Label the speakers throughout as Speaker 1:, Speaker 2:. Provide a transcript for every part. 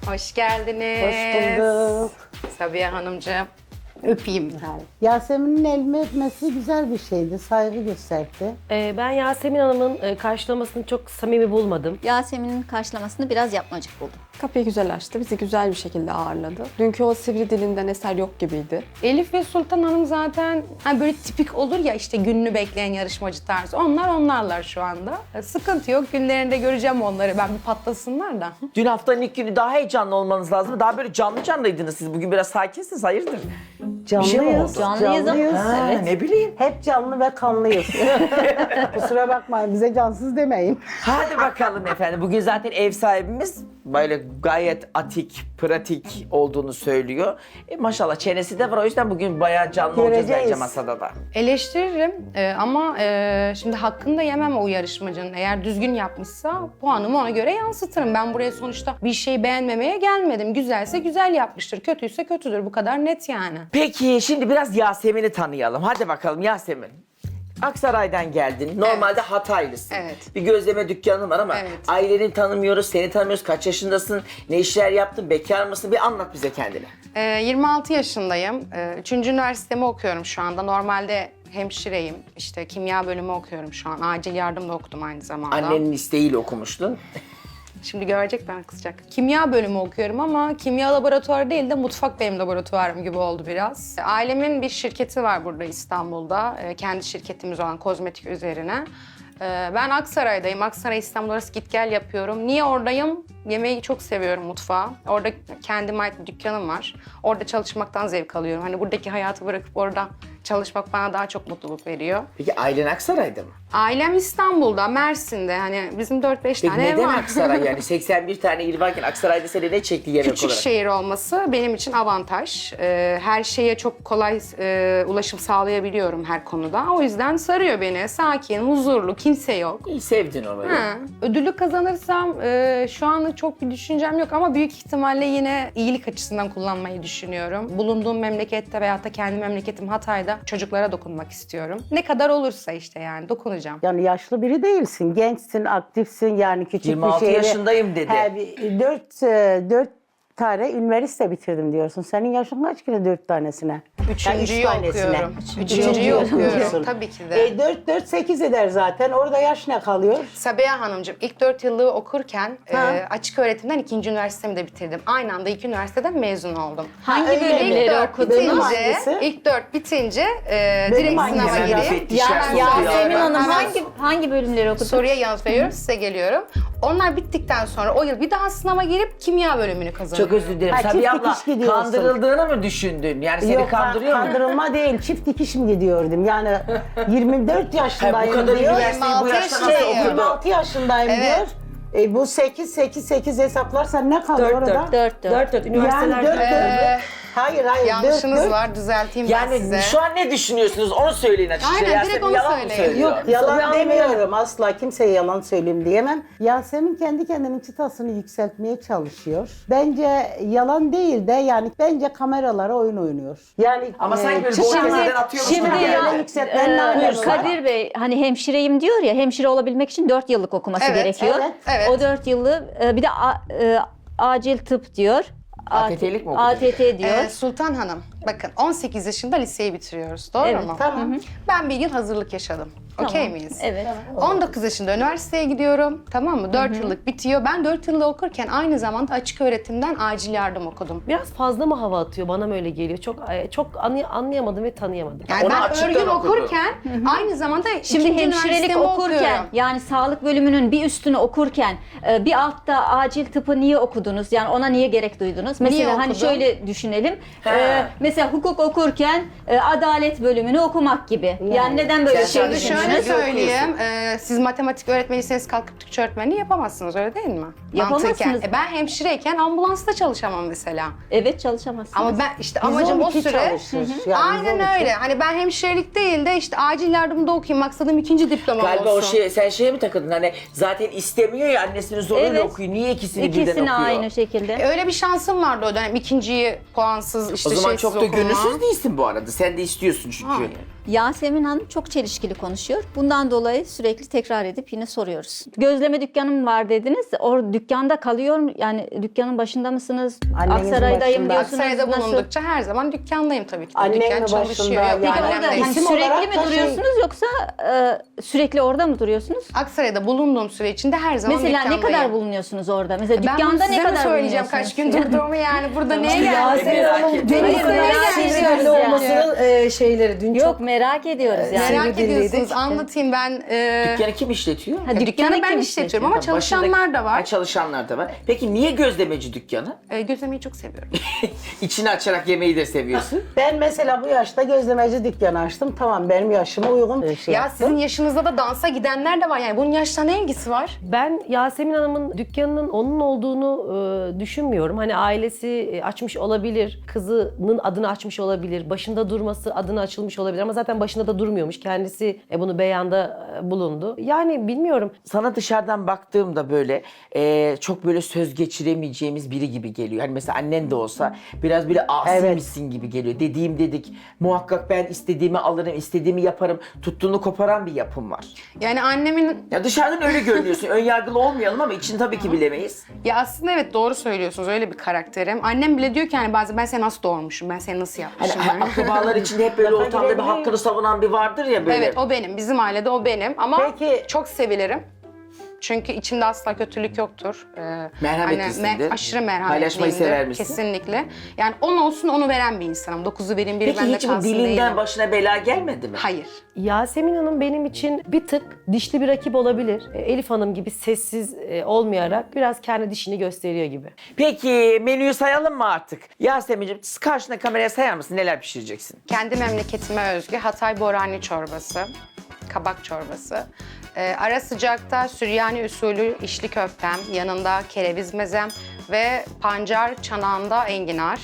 Speaker 1: Hoş geldiniz.
Speaker 2: Hoş bulduk.
Speaker 1: Sabiha Hanımcığım. Öpeyim.
Speaker 2: Yasemin'in elime öpmesi güzel bir şeydi. Saygı gösterdi.
Speaker 3: Ben Yasemin Hanım'ın karşılamasını çok samimi bulmadım.
Speaker 4: Yasemin'in karşılamasını biraz yapmacık buldum.
Speaker 5: Kapıyı güzel açtı, bizi güzel bir şekilde ağırladı. Dünkü o sivri dilinden eser yok gibiydi.
Speaker 1: Elif ve Sultan Hanım zaten hani böyle tipik olur ya işte gününü bekleyen yarışmacı tarzı. Onlarlar şu anda. Sıkıntı yok. Günlerinde göreceğim onları. Ben bir patlasınlar da.
Speaker 6: Dün haftanın ilk günü daha heyecanlı olmanız lazım. Daha böyle canlıydınız siz. Bugün biraz sakinsiniz. Hayırdır?
Speaker 2: Canlıyız.
Speaker 6: şey mi oldu?
Speaker 4: Canlıyız ama.
Speaker 6: Ha, ne bileyim.
Speaker 2: Hep canlı ve kanlıyız. Kusura bakmayın, bize cansız demeyin.
Speaker 6: Hadi bakalım efendim. Bugün zaten ev sahibimiz böyle gayet atik, pratik olduğunu söylüyor. Maşallah çenesi de var. O yüzden bugün bayağı canlı olacağız
Speaker 2: Göreceğiz.
Speaker 6: bence masada da.
Speaker 1: Eleştiririm ama şimdi hakkını da yemem o yarışmacının. Eğer düzgün yapmışsa puanımı ona göre yansıtırım. Ben buraya sonuçta bir şey beğenmemeye gelmedim. Güzelse güzel yapmıştır, kötüyse kötüdür. Bu kadar net yani.
Speaker 6: Peki şimdi biraz Yasemin'i tanıyalım. Hadi bakalım Yasemin. Aksaray'dan geldin. Normalde Hataylısın.
Speaker 1: Evet.
Speaker 6: Bir gözleme dükkanın var ama
Speaker 1: Evet.
Speaker 6: aileni tanımıyoruz, seni tanımıyoruz. Kaç yaşındasın? Ne işler yaptın? Bekar mısın? Bir anlat bize kendini.
Speaker 1: 26 yaşındayım. 3. üniversitemi okuyorum şu anda. Normalde hemşireyim. İşte kimya bölümü okuyorum şu an. Acil yardım da okudum aynı zamanda.
Speaker 6: Annenin isteğiyle okumuştun.
Speaker 1: Şimdi görecekler, kızacak. Kimya bölümü okuyorum ama kimya laboratuvarı değil de mutfak benim laboratuvarım gibi oldu biraz. Ailemin bir şirketi var burada İstanbul'da. Kendi şirketimiz olan kozmetik üzerine. Ben Aksaray'dayım. Aksaray İstanbul arası git gel yapıyorum. Niye oradayım? Yemeği çok seviyorum, mutfağı. Orada kendime ait bir dükkanım var. Orada çalışmaktan zevk alıyorum. Hani buradaki hayatı bırakıp orada çalışmak bana daha çok mutluluk veriyor.
Speaker 6: Peki ailen Aksaray'da mı?
Speaker 1: Ailem İstanbul'da, Mersin'de. Hani bizim 4-5
Speaker 6: Peki
Speaker 1: tane ev
Speaker 6: neden
Speaker 1: var.
Speaker 6: Aksaray yani? 81 tane il varken Aksaray'da seni ne çekti yemek
Speaker 1: Küçük
Speaker 6: olarak?
Speaker 1: şehir olması benim için avantaj. Her şeye çok kolay ulaşım sağlayabiliyorum her konuda. O yüzden sarıyor beni. Sakin, huzurlu, kimse yok.
Speaker 6: İyi sevdin orayı.
Speaker 1: Ha, ödülü kazanırsam şu anlık çok bir düşüncem yok ama büyük ihtimalle yine iyilik açısından kullanmayı düşünüyorum. Bulunduğum memlekette veyahut da kendi memleketim Hatay'da çocuklara dokunmak istiyorum. Ne kadar olursa işte yani dokunacağım.
Speaker 2: Yani yaşlı biri değilsin, gençsin, aktifsin, yani küçük
Speaker 6: 26
Speaker 2: bir şehre...
Speaker 6: yaşındayım dedi.
Speaker 2: Dört tane üniversite bitirdim diyorsun. Senin yaşın kaç kere 4 tanesine?
Speaker 1: Üçüncüyü
Speaker 2: Yani üç tanesine.
Speaker 1: okuyorum. Üçüncüyü okuyorum. Tabii ki de.
Speaker 2: 4-8 eder zaten. Orada yaş ne kalıyor?
Speaker 1: Sabiha Hanımcığım, ilk 4 yıllığı okurken
Speaker 2: Ha.
Speaker 1: Açık öğretimden 2. üniversitemi de bitirdim. Aynı anda 2 üniversiteden mezun oldum.
Speaker 4: Hangi
Speaker 2: öyle mi?
Speaker 4: bölümleri
Speaker 1: İlk 4
Speaker 4: okudun?
Speaker 2: Bölüm
Speaker 1: bitince,
Speaker 2: hangisi?
Speaker 1: ilk 4 bitince direkt
Speaker 2: hangisi?
Speaker 1: sınava
Speaker 2: Hemen
Speaker 1: girip
Speaker 6: müfettişler
Speaker 1: hemen
Speaker 6: soruyor.
Speaker 4: Yasemin Hanım
Speaker 1: hemen
Speaker 4: hangi bölümleri okudun?
Speaker 1: soruya yanıt veriyorum, size geliyorum. Onlar bittikten sonra o yıl bir daha sınava girip kimya bölümünü kazanıyorum.
Speaker 6: Çok özür dilerim.
Speaker 2: Ha,
Speaker 6: Sabiha
Speaker 2: çift
Speaker 6: abla
Speaker 2: dikiş gidiyorsun.
Speaker 6: kandırıldığını mı düşündün? Yani seni
Speaker 2: Yok,
Speaker 6: kandırıyor mu?
Speaker 2: kandırılma değil, çift dikiş mi gidiyordum? Yani 24
Speaker 6: Ha,
Speaker 2: yaşındayım
Speaker 6: bu kadar
Speaker 2: diyor.
Speaker 6: üniversiteyi bu
Speaker 1: 26
Speaker 6: yaşta nasıl
Speaker 1: yaşındayım.
Speaker 6: okudu?
Speaker 2: 26 yaşındayım
Speaker 1: Evet.
Speaker 2: diyor. Bu 8 hesaplarsan ne kalıyor orada?
Speaker 3: 4 üniversiteler.
Speaker 2: Yani 4 Hayır,
Speaker 1: Yanlışınız
Speaker 2: 4.
Speaker 1: var, düzelteyim ben
Speaker 6: Yani
Speaker 1: size.
Speaker 6: şu an ne düşünüyorsunuz? Onu söyleyin açıkça.
Speaker 1: Aynen,
Speaker 6: Yasemin
Speaker 1: direkt onu
Speaker 6: yalan mı
Speaker 1: söyleyin.
Speaker 6: söylüyor?
Speaker 2: Yok, yalan
Speaker 3: Sabiha Hanım
Speaker 2: demiyorum. Asla kimseye yalan söyleyeyim diyemem. Yasemin kendi kendinin çıtasını yükseltmeye çalışıyor. Bence yalan değil de yani bence kameralara oyun oynuyor. Yani
Speaker 6: Ama sanki böyle
Speaker 2: çıtasını-
Speaker 6: boynundan atıyormuş
Speaker 4: şimdi
Speaker 6: gibi
Speaker 4: ya-
Speaker 6: geldi.
Speaker 2: Öyle yükseltmenin ne alemi var?
Speaker 4: Kadir Bey hani hemşireyim diyor ya, hemşire olabilmek için 4 yıllık okuması
Speaker 1: Evet,
Speaker 4: gerekiyor.
Speaker 1: evet.
Speaker 4: O 4 yılı bir de acil tıp diyor.
Speaker 6: ATT'lik mi okudun?
Speaker 4: ATT diyor.
Speaker 1: Sultan Hanım, bakın 18 yaşında liseyi bitiriyoruz, doğru
Speaker 4: Evet,
Speaker 1: mu?
Speaker 2: Tamam.
Speaker 1: Ben bir yıl hazırlık yaşadım. Okey miyiz?
Speaker 4: Evet.
Speaker 1: 19 yaşında üniversiteye gidiyorum, tamam mı? 4 yıllık bitiyor. Ben 4 yılda okurken aynı zamanda açık öğretimden acil yardım okudum.
Speaker 3: Biraz fazla mı hava atıyor? Bana mı öyle geliyor? Çok anlayamadım ve tanıyamadım.
Speaker 1: Yani
Speaker 6: Onu
Speaker 1: ben
Speaker 6: açıktan
Speaker 1: örgün
Speaker 6: okudu.
Speaker 1: okurken aynı zamanda
Speaker 4: Şimdi
Speaker 1: ikinci
Speaker 4: hemşirelik
Speaker 1: üniversitemi
Speaker 4: okurken
Speaker 1: okuyorum.
Speaker 4: yani sağlık bölümünün bir üstünü okurken bir altta acil tıpı niye okudunuz? Yani ona niye gerek duydunuz? Mesela hani
Speaker 1: okudum?
Speaker 4: şöyle düşünelim.
Speaker 6: He.
Speaker 4: Mesela hukuk okurken adalet bölümünü okumak gibi. Yani neden böyle
Speaker 6: Sen
Speaker 4: şey
Speaker 6: şimdi
Speaker 1: Şöyle
Speaker 4: düşündünüz?
Speaker 1: söyleyeyim, siz matematik öğretmeniyseniz kalkıp Türkçe öğretmenliği yapamazsınız, öyle değil mi?
Speaker 4: Yapamazsınız.
Speaker 1: Mantıken. Ben hemşireyken ambulansta çalışamam mesela.
Speaker 4: Evet, çalışamazsınız.
Speaker 1: Ama ben işte amacım o
Speaker 2: 112
Speaker 1: süre...
Speaker 2: çalışır. Yani
Speaker 1: Aynen
Speaker 2: 112.
Speaker 1: öyle. Hani ben hemşirelik değil de işte acil yardımda okuyayım. Maksadım 2. diplomam
Speaker 6: Galiba
Speaker 1: olsun.
Speaker 6: sen şeye mi takıldın? Hani zaten istemiyor ya annesinin zoruyla
Speaker 4: Evet.
Speaker 6: okuyor. Niye ikisini birden
Speaker 4: İkisini
Speaker 6: okuyor?
Speaker 4: aynı şekilde.
Speaker 1: Öyle bir şansım vardı o dönem. İkinciyi puansız, işte
Speaker 6: O zaman
Speaker 1: şeysiz
Speaker 6: çok da Çok da
Speaker 1: dokunma.
Speaker 6: gönülsüz değilsin bu arada. Sen de istiyorsun çünkü.
Speaker 1: Hayır.
Speaker 4: Yasemin Hanım çok çelişkili konuşuyor. Bundan dolayı sürekli tekrar edip yine soruyoruz. Gözleme dükkanım var dediniz. O dükkanda kalıyor mu? Yani dükkanın başında mısınız?
Speaker 2: Annenizin
Speaker 4: Aksaray'dayım
Speaker 2: başında.
Speaker 4: diyorsunuz.
Speaker 1: Aksaray'da
Speaker 4: Nasıl?
Speaker 1: bulundukça her zaman dükkandayım tabii ki.
Speaker 2: Annem
Speaker 1: Dükkan
Speaker 2: mi
Speaker 1: çalışıyor.
Speaker 2: başında?
Speaker 1: Yok,
Speaker 4: Peki
Speaker 2: Yani
Speaker 1: annem
Speaker 4: orada
Speaker 1: de.
Speaker 4: hani
Speaker 2: İsim
Speaker 4: sürekli
Speaker 2: olarak
Speaker 4: mi
Speaker 2: da
Speaker 4: duruyorsunuz yoksa sürekli orada mı duruyorsunuz?
Speaker 1: Aksaray'da bulunduğum süre içinde her zaman
Speaker 4: Mesela ne
Speaker 1: dükkandayım.
Speaker 4: kadar bulunuyorsunuz orada? Mesela
Speaker 1: Ben bunu
Speaker 4: dükkanda ne
Speaker 1: size mi
Speaker 4: kadar
Speaker 1: söyleyeceğim kaç gün durduğumu yani burada neye geldim?
Speaker 3: Yasemin
Speaker 6: Merak
Speaker 3: Hanım
Speaker 6: ediyorum.
Speaker 3: deniz
Speaker 4: Hayır, merak
Speaker 3: sivrilli
Speaker 4: ediyoruz yani.
Speaker 3: olmasının şeyleri dün
Speaker 4: Yok
Speaker 3: çok
Speaker 4: merak ediyoruz yani.
Speaker 1: Merak
Speaker 3: Sivri
Speaker 1: ediyorsunuz
Speaker 3: dilliydik.
Speaker 1: anlatayım ben.
Speaker 6: Dükkanı kim işletiyor?
Speaker 4: Ha,
Speaker 1: Dükkanı ben
Speaker 4: kim
Speaker 1: işletiyorum ama
Speaker 6: Başındaki-
Speaker 1: çalışanlar da
Speaker 6: Ha,
Speaker 1: var.
Speaker 6: çalışanlar da var. Peki niye gözlemeci dükkanı?
Speaker 1: Gözlemeyi çok seviyorum.
Speaker 6: İçini açarak yemeği de seviyorsun.
Speaker 2: Ben mesela bu yaşta gözlemeci dükkanı açtım. Tamam benim yaşıma uygun bir şey
Speaker 1: Ya
Speaker 2: yaptım.
Speaker 1: sizin yaşınızda da dansa gidenler de var yani bunun yaşta ne ilgisi var?
Speaker 3: Ben Yasemin Hanım'ın dükkanının onun olduğunu düşünmüyorum. Hani ailesi açmış olabilir, kızının adını açmış olabilir, başında durması adını açılmış olabilir ama zaten başında da durmuyormuş. Kendisi bunu beyanda bulundu. Yani bilmiyorum.
Speaker 6: Sana dışarıdan baktığımda böyle çok böyle söz geçiremeyeceğimiz biri gibi geliyor. Hani mesela annen de olsa biraz böyle asiymişsin gibi geliyor. Dediğim dedik. Muhakkak ben istediğimi alırım, istediğimi yaparım. Tuttuğunu koparan bir yapım var.
Speaker 1: Yani annemin
Speaker 6: Ya dışarıdan öyle görünüyorsun. Ön yargılı olmayalım ama içini tabii ki bilemeyiz.
Speaker 1: ya aslında evet doğru söylüyorsunuz öyle bir karakterim. Annem bile diyor ki hani bazen ben seni nasıl doğurmuşum, ben seni nasıl
Speaker 6: Hani
Speaker 1: yapmışım. yani.
Speaker 6: akrabalar içinde hep böyle ortamda bir hakkını savunan bir vardır ya böyle.
Speaker 1: Evet o benim, bizim ailede o benim ama
Speaker 2: Peki-
Speaker 1: çok sevilirim. Çünkü içimde asla kötülük yoktur.
Speaker 6: Merhametlisindir.
Speaker 1: Aşırı merhametliyimdir.
Speaker 6: Paylaşmayı sever misin?
Speaker 1: Kesinlikle. Yani 10 olsun onu veren bir insanım. 9'u verin biri
Speaker 6: Peki
Speaker 1: bende
Speaker 6: hiç bu
Speaker 1: kalsın
Speaker 6: dilinden
Speaker 1: değilim.
Speaker 6: başına bela gelmedi mi?
Speaker 1: Hayır.
Speaker 3: Yasemin Hanım benim için bir tık dişli bir rakip olabilir. Elif Hanım gibi sessiz olmayarak biraz kendi dişini gösteriyor gibi.
Speaker 6: Peki menüyü sayalım mı artık? Yasemin'ciğim karşına kameraya sayar mısın? Neler pişireceksin?
Speaker 1: Kendi memleketime özgü Hatay Borani çorbası, kabak çorbası. Ara sıcakta Süryani usulü içli köftem, yanında kereviz mezem ve pancar çanağında enginar.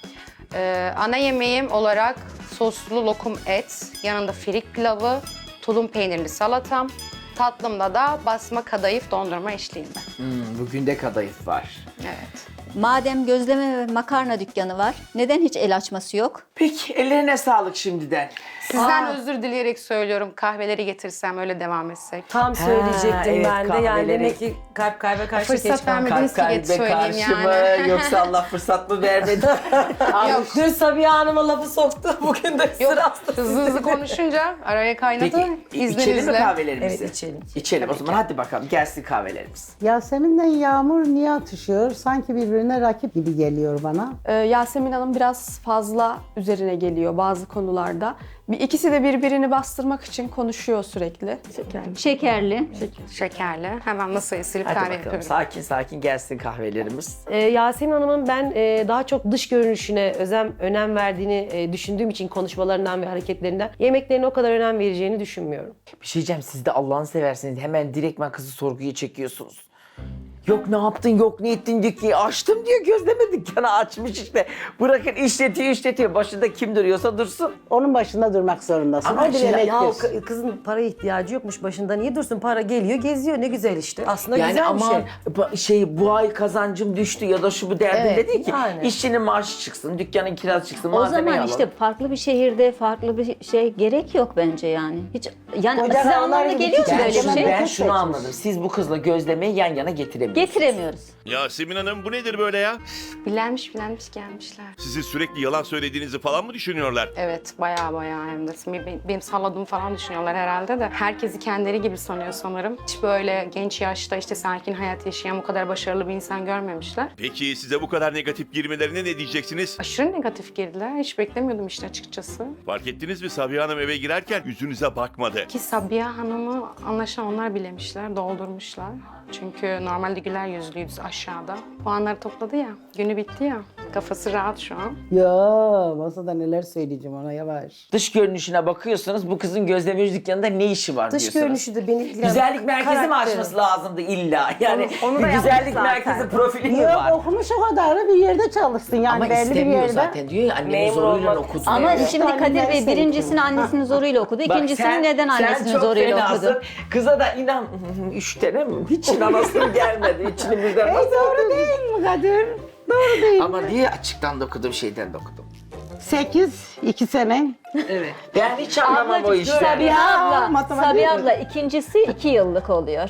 Speaker 1: Ana yemeğim olarak soslu lokum et, yanında firik pilavı, tulum peynirli salatam. Tatlımda da basma kadayıf dondurma eşliğinde.
Speaker 6: Bugün de kadayıf var.
Speaker 1: Evet.
Speaker 4: Madem gözleme ve makarna dükkanı var, neden hiç el açması yok?
Speaker 6: Peki ellerine sağlık şimdiden.
Speaker 1: Sizden özür dileyerek söylüyorum. Kahveleri getirsem öyle devam etsek.
Speaker 3: Tam söyleyecektim
Speaker 6: evet,
Speaker 3: ben de. Yani
Speaker 6: kahveleri.
Speaker 3: demek ki kalbe karşı
Speaker 1: Fırsat
Speaker 3: geç kaldım.
Speaker 1: vermediniz ki geç söyleyeyim yani.
Speaker 6: mı yoksa Allah fırsat mı vermedi?
Speaker 1: Yok.
Speaker 3: Dün Sabiha Hanım'a lafı soktu. Bugün de
Speaker 1: Yok,
Speaker 3: sıra
Speaker 1: hızlı hızlı konuşunca araya kaynadı.
Speaker 6: Peki içelim mi
Speaker 1: İzninizle.
Speaker 6: kahvelerimizi?
Speaker 3: Evet, içelim.
Speaker 6: İçelim o zaman hadi bakalım gelsin kahvelerimiz.
Speaker 2: Yasemin'den Yağmur niye atışıyor? Sanki birbirine rakip gibi geliyor bana.
Speaker 5: Yasemin Hanım biraz fazla üzerine geliyor bazı konularda. İkisi de birbirini bastırmak için konuşuyor sürekli.
Speaker 4: Şekerli.
Speaker 1: Şekerli. Hemen masayı silip
Speaker 6: Hadi
Speaker 1: kahve
Speaker 6: bakalım
Speaker 1: yapıyorum.
Speaker 6: sakin sakin gelsin kahvelerimiz.
Speaker 3: Yasemin Hanım'ın ben daha çok dış görünüşüne önem verdiğini düşündüğüm için konuşmalarından ve hareketlerinden yemeklerine o kadar önem vereceğini düşünmüyorum.
Speaker 6: Bir şey diyeceğim siz de Allah'ını seversiniz hemen direktmen kızı sorguya çekiyorsunuz. Yok ne yaptın, yok ne ettin dükkanı açtım diyor gözleme dükkanı açmış işte. Bırakın işletiyor. Başında kim duruyorsa dursun.
Speaker 2: Onun başında durmak zorundasın.
Speaker 6: Ama
Speaker 2: O bir
Speaker 6: şimdi-
Speaker 2: emektir.
Speaker 3: Kızın para ihtiyacı yokmuş başında. Niye dursun? Para geliyor, geziyor. Ne güzel işte. Aslında
Speaker 6: Yani
Speaker 3: güzel bir
Speaker 6: aman
Speaker 3: şey.
Speaker 6: bu ay kazancım düştü ya da şu bu derdinde
Speaker 3: Evet,
Speaker 6: değil ki.
Speaker 3: yani.
Speaker 6: İşçinin maaşı çıksın, dükkanın kirası çıksın,
Speaker 4: O
Speaker 6: malzemeyi
Speaker 4: zaman
Speaker 6: alalım.
Speaker 4: işte farklı bir şehirde farklı bir şey gerek yok bence yani. Hiç yani
Speaker 2: Koca
Speaker 4: size
Speaker 2: dağlar
Speaker 4: anlamına
Speaker 2: gibi
Speaker 4: geliyor mu
Speaker 2: küçük.
Speaker 4: böyle bir
Speaker 6: şunu,
Speaker 4: şey?
Speaker 6: ben
Speaker 2: Çok
Speaker 6: şunu
Speaker 2: seçmiş.
Speaker 6: anladım. Siz bu kızla gözlemeyi yan yana getiremiyorsunuz.
Speaker 4: Getiremiyoruz.
Speaker 7: Yasemin Hanım bu nedir böyle ya?
Speaker 1: Bilenmiş gelmişler.
Speaker 7: Sizi sürekli yalan söylediğinizi falan mı düşünüyorlar?
Speaker 1: Evet baya hem de. Benim salladığımı falan düşünüyorlar herhalde de. Herkesi kendileri gibi sanıyor sanırım. Hiç böyle genç yaşta işte sakin hayat yaşayan bu kadar başarılı bir insan görmemişler.
Speaker 7: Peki size bu kadar negatif girmelerine ne diyeceksiniz?
Speaker 1: Aşırı negatif girdiler. Hiç beklemiyordum işte açıkçası.
Speaker 7: Fark ettiniz mi Sabiha Hanım eve girerken yüzünüze bakmadı.
Speaker 1: Ki Sabiha Hanım'ı anlaşılan onlar bilemişler, doldurmuşlar. Çünkü normalde güler yüzlüydü aşağıda. Puanları topladı ya, günü bitti ya. Kafası rahat şu an.
Speaker 2: Ya masada neler söyleyeceğim ona yavaş.
Speaker 6: Dış görünüşüne bakıyorsunuz bu kızın gözlemeci dükkanında ne işi var
Speaker 3: Dış
Speaker 6: diyorsunuz.
Speaker 3: görünüşü de beni...
Speaker 6: Güzellik merkezi mi
Speaker 3: Karakteri.
Speaker 6: açması lazımdı illa? Yani
Speaker 3: Onu da
Speaker 6: bir
Speaker 3: yapmış
Speaker 6: güzellik
Speaker 3: zaten.
Speaker 6: merkezi profili mi
Speaker 2: Yok
Speaker 6: var?
Speaker 2: okumuş o kadar da bir yerde çalışsın yani
Speaker 6: Ama
Speaker 2: belli bir
Speaker 6: istemiyor
Speaker 2: yerde.
Speaker 6: zaten diyor ya annemin
Speaker 3: Memur
Speaker 6: zoruyla
Speaker 3: olmak
Speaker 6: okudu.
Speaker 4: Ama
Speaker 6: diyor.
Speaker 4: şimdi Kadir Bey
Speaker 2: Neyse.
Speaker 4: birincisini annesinin zoruyla okudu.
Speaker 6: Bak
Speaker 4: İkincisini neden annesinin
Speaker 6: çok
Speaker 4: zoruyla
Speaker 6: fenasın.
Speaker 4: okudu?
Speaker 6: Kıza da inan 3 tane mi? Hiç inanasın gelmedi. İçimizden nasıl
Speaker 2: Doğru değil mi Kadir? Doğru değil.
Speaker 6: Ama diye açıktan da okudum şeyden de okudum.
Speaker 2: 8, 2 sene.
Speaker 6: Evet. Ben hiç anlamam o işleri.
Speaker 4: Sabiha abla,
Speaker 2: matematik.
Speaker 4: Sabiha abla ikincisi 2 yıllık oluyor.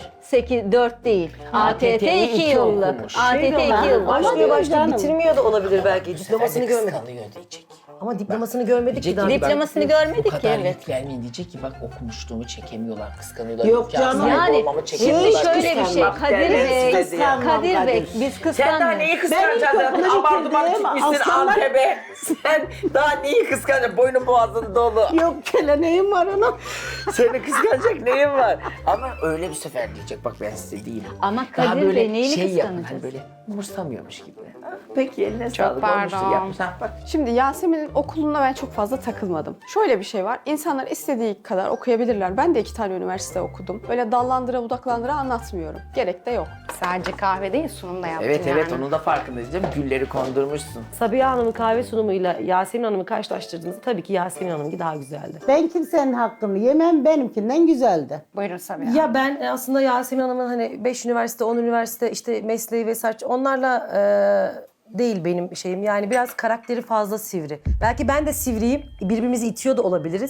Speaker 4: 4 değil. ATT 2
Speaker 6: iki
Speaker 4: yıllık.
Speaker 6: okumuş.
Speaker 4: ATT 2 yıllık.
Speaker 3: Başlıyor başlıyor
Speaker 2: canım.
Speaker 3: bitirmiyor da olabilir belki. Diplomasını görmedik.
Speaker 6: Kıskanıyor diyecek.
Speaker 3: Ama diplomasını görmedik ki
Speaker 6: Diyecek
Speaker 3: daha.
Speaker 6: ki bak,
Speaker 4: Diplomasını görmedik
Speaker 6: bu
Speaker 4: ki,
Speaker 6: kadar
Speaker 4: evet.
Speaker 6: yük vermeyin diyecek ki bak okumuşluğumu çekemiyorlar, kıskanıyorlar.
Speaker 2: Yok
Speaker 6: İmkan
Speaker 2: canım.
Speaker 6: sahibi
Speaker 4: Yani
Speaker 6: olmamı
Speaker 4: şimdi
Speaker 6: çekemiyorlar.
Speaker 4: şöyle bir şey.
Speaker 6: Kıskanmak
Speaker 4: Kadir
Speaker 6: derler
Speaker 4: Bey,
Speaker 6: size diye.
Speaker 4: Kadir Bey biz
Speaker 6: Sen daha
Speaker 4: kıskanmıyoruz.
Speaker 6: neyi kıskanacaksın?
Speaker 2: Ben ilk okula
Speaker 6: Abartıman
Speaker 2: bitirdim,
Speaker 6: çıkmışsın
Speaker 2: aslanlar-
Speaker 6: Antep'e. Sen daha neyi kıskanacaksın? Boynun boğazın dolu.
Speaker 2: Yok geleneğim var ona.
Speaker 6: Seni kıskanacak neyin var? Ama öyle bir sefer diyecek bak ben size diyeyim.
Speaker 4: Ama
Speaker 6: Daha
Speaker 4: Kadir
Speaker 6: böyle
Speaker 4: Bey neyini
Speaker 6: şey yapın
Speaker 4: kıskanacağız?
Speaker 6: hani böyle umursamıyormuş gibi. Ha, peki eline sağlık
Speaker 1: pardon.
Speaker 6: olmuştur yapmış. Ha, bak.
Speaker 5: Şimdi Yasemin'in okuluna ben çok fazla takılmadım. Şöyle bir şey var. İnsanlar istediği kadar okuyabilirler. Ben de 2 tane üniversite okudum. Öyle dallandıra budaklandıra anlatmıyorum. Gerek de yok.
Speaker 1: Sadece kahve değil, sunum da yaptım
Speaker 6: Evet
Speaker 1: yani.
Speaker 6: evet onun da farkındayız değil mi? Gülleri kondurmuşsun.
Speaker 3: Sabiha Hanım'ın kahve sunumuyla Yasemin Hanım'ı karşılaştırdığınızda tabii ki Yasemin Hanım'ınki daha güzeldi.
Speaker 2: Ben kimsenin hakkını yemem, benimkinden güzeldi.
Speaker 1: Buyurun Sabiha.
Speaker 3: Ya ben aslında Yasemin Hanım'ın hani 5 üniversite, 10 üniversite işte mesleği vesaire onlarla değil benim şeyim. Yani biraz karakteri fazla sivri. Belki ben de sivriyim. Birbirimizi itiyor da olabiliriz.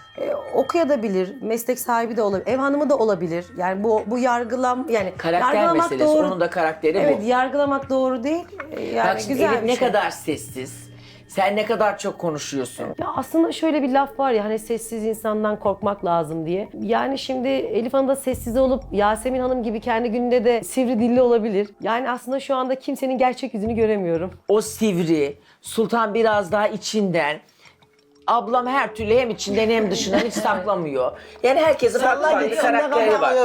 Speaker 3: Okuyabilir, meslek sahibi de olabilir, ev hanımı da olabilir. Yani bu yargılam yani
Speaker 6: Karakter
Speaker 3: yargılamak
Speaker 6: meselesi.
Speaker 3: doğru.
Speaker 6: Onun da karakteri
Speaker 3: Evet,
Speaker 6: bu.
Speaker 3: yargılamak doğru değil. Yani
Speaker 6: Bak şimdi
Speaker 3: güzel
Speaker 6: Elif
Speaker 3: bir
Speaker 6: ne
Speaker 3: şey.
Speaker 6: kadar sessiz. Sen ne kadar çok konuşuyorsun.
Speaker 3: Ya aslında şöyle bir laf var ya hani sessiz insandan korkmak lazım diye. Yani şimdi Elif Hanım da sessiz olup Yasemin Hanım gibi kendi gününde de sivri dilli olabilir. Yani aslında şu anda kimsenin gerçek yüzünü göremiyorum.
Speaker 6: O sivri, Sultan biraz daha içinden. Ablam her türlü hem içinden hem dışından hiç saklamıyor. Yani herkesin farklı karakteri var.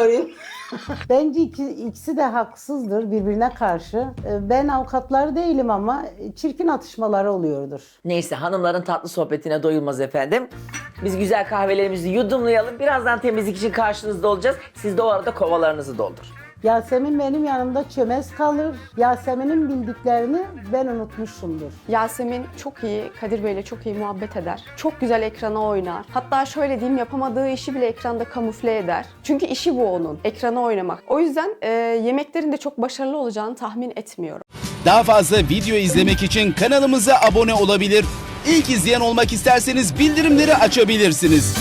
Speaker 2: Bence ikisi de haksızdır birbirine karşı. Ben avukatları değilim ama çirkin atışmaları oluyordur.
Speaker 6: Neyse hanımların tatlı sohbetine doyulmaz efendim. Biz güzel kahvelerimizi yudumlayalım. Birazdan temizlik için karşınızda olacağız. Siz de o arada kovalarınızı doldur.
Speaker 2: Yasemin benim yanımda çömez kalır. Yasemin'in bildiklerini ben unutmuşumdur.
Speaker 5: Yasemin çok iyi, Kadir Bey'le çok iyi muhabbet eder. Çok güzel ekrana oynar. Hatta şöyle diyeyim, yapamadığı işi bile ekranda kamufle eder. Çünkü işi bu onun, ekrana oynamak. O yüzden yemeklerin de çok başarılı olacağını tahmin etmiyorum.
Speaker 8: Daha fazla video izlemek için kanalımıza abone olabilir. İlk izleyen olmak isterseniz bildirimleri açabilirsiniz.